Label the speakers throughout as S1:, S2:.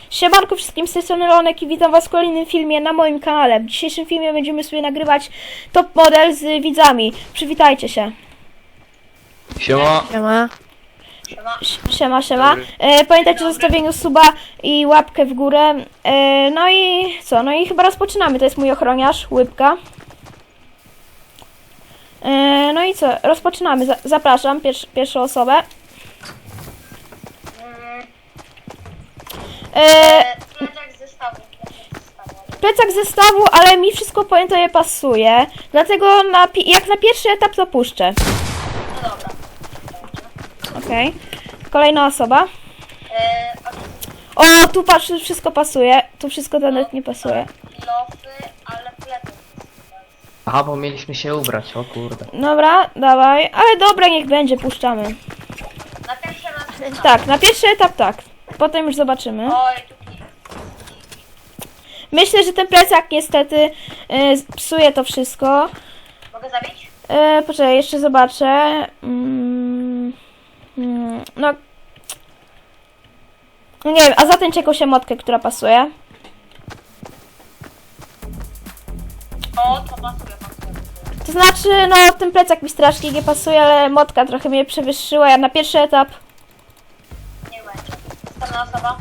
S1: Siemanko wszystkim, z tej strony Leonek i witam was w kolejnym filmie na moim kanale. W dzisiejszym filmie będziemy sobie nagrywać top model z widzami. Przywitajcie się.
S2: Siema.
S3: Siema.
S1: Siema. Pamiętajcie o zostawieniu suba i łapkę w górę. No i co? No i chyba rozpoczynamy. To jest mój ochroniarz, Łybka. No i co? Rozpoczynamy. Zapraszam pierwszą osobę. Plecak zestawu, ale mi wszystko pojęto je pasuje. Dlatego jak na pierwszy etap to puszczę.
S4: No dobra.
S1: Okej. Kolejna osoba. O, tu patrz, wszystko pasuje. Tu wszystko nawet nie pasuje.
S4: Lofy, ale plecak.
S2: Aha, bo mieliśmy się ubrać, o kurde.
S1: Dobra, dawaj. Ale dobra, niech będzie, puszczamy.
S4: Na pierwszy raz.
S1: Tak, na pierwszy etap tak. Potem już zobaczymy.
S4: Oj, tu
S1: Myślę, że ten plecak niestety psuje to wszystko.
S4: mogę zabić?
S1: Poczekaj, jeszcze zobaczę. No. No nie wiem, a zatęć jakąś emotkę, która pasuje.
S4: O, to pasuje.
S1: To znaczy, no ten plecak mi strasznie nie pasuje, ale motka trochę mnie przewyższyła. Ja na pierwszy etap.
S4: Nie będzie. Następna osoba.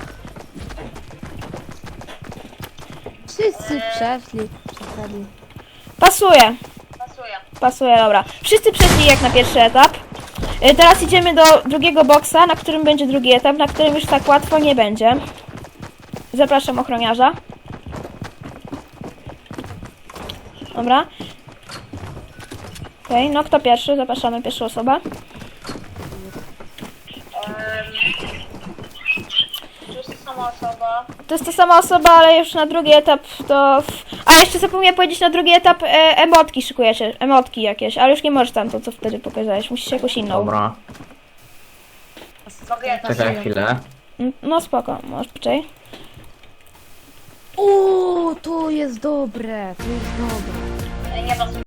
S3: Wszyscy przeszli.
S1: Pasuje.
S4: Pasuje.
S1: Dobra. Wszyscy przeszli jak na pierwszy etap. Teraz idziemy do drugiego boksa, na którym będzie drugi etap, na którym już tak łatwo nie będzie. Zapraszam ochroniarza. Dobra. Okej, no kto pierwszy? Zapraszamy pierwszą osobę.
S4: To jest sama osoba.
S1: To jest ta sama osoba, ale już na drugi etap to... A jeszcze zapomniałem powiedzieć, na drugi etap emotki szykujecie. Emotki jakieś, ale już nie możesz tam to, co wtedy pokazałeś. Musisz jakąś inną.
S2: Dobra,
S4: Mogę jedną.
S2: czekaj chwilę.
S1: No spoko, możesz poczekaj.
S3: O, to jest dobre, to jest dobre.
S4: Nie pasuje.